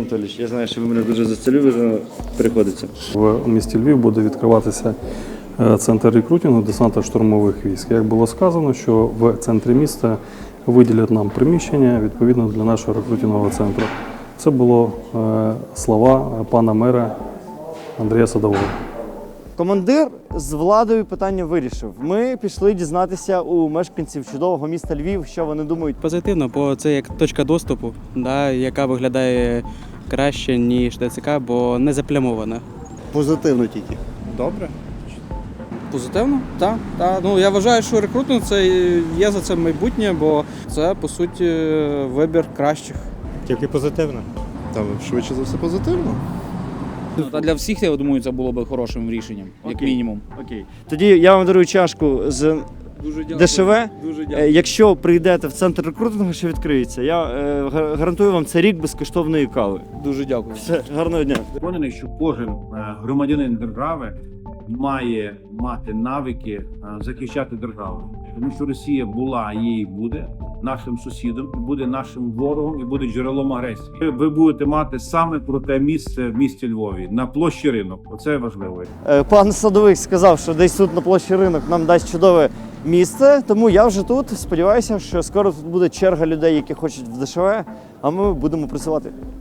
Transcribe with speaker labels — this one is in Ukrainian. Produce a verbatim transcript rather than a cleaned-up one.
Speaker 1: Анатолійович, я знаю, що ви мене дуже зацілювали, приходиться.
Speaker 2: В місті Львів буде відкриватися центр рекрутингу десантно-штурмових військ. Як було сказано, що в центрі міста виділять нам приміщення відповідно для нашого рекрутингового центру. Це було слова пана мера Андрія Садового.
Speaker 1: Командир з владою питання вирішив. Ми пішли дізнатися у мешканців чудового міста Львів, що вони думають.
Speaker 3: Позитивно, бо це як точка доступу, да, яка виглядає краще, ніж ТЦК, бо не заплямована.
Speaker 4: Позитивно тільки.
Speaker 5: Добре. Позитивно? Так. Так. Ну, я вважаю, що рекрутинг це є за це майбутнє, бо це, по суті, вибір кращих.
Speaker 4: Тільки позитивно.
Speaker 6: Та швидше за все позитивно.
Speaker 7: Та для всіх, я думаю, це було б хорошим рішенням, як
Speaker 1: Окей.
Speaker 7: мінімум.
Speaker 1: Окей. Тоді я вам дарую чашку з
Speaker 5: Дуже дякую.
Speaker 1: ДШВ.
Speaker 5: Дуже
Speaker 1: Е,
Speaker 5: дякую.
Speaker 1: Якщо прийдете в центр рекрутингу, що відкриється, я е, гар- гарантую вам це рік безкоштовної кави.
Speaker 5: Дуже дякую.
Speaker 1: Все, гарного дня.
Speaker 8: Переконаний, що кожен е, громадянин держави має мати навики е, захищати державу, тому що Росія була, є і буде нашим сусідом, і буде нашим ворогом, і буде джерелом агресії. Ви- Ви будете мати саме про те місце в місті Львові на площі Ринок. Оце важливо.
Speaker 1: Е, Пан Садовик сказав, що десь тут на площі Ринок нам дасть чудове місце, тому я вже тут. Сподіваюся, що скоро тут буде черга людей, які хочуть в ДШВ, а ми будемо працювати.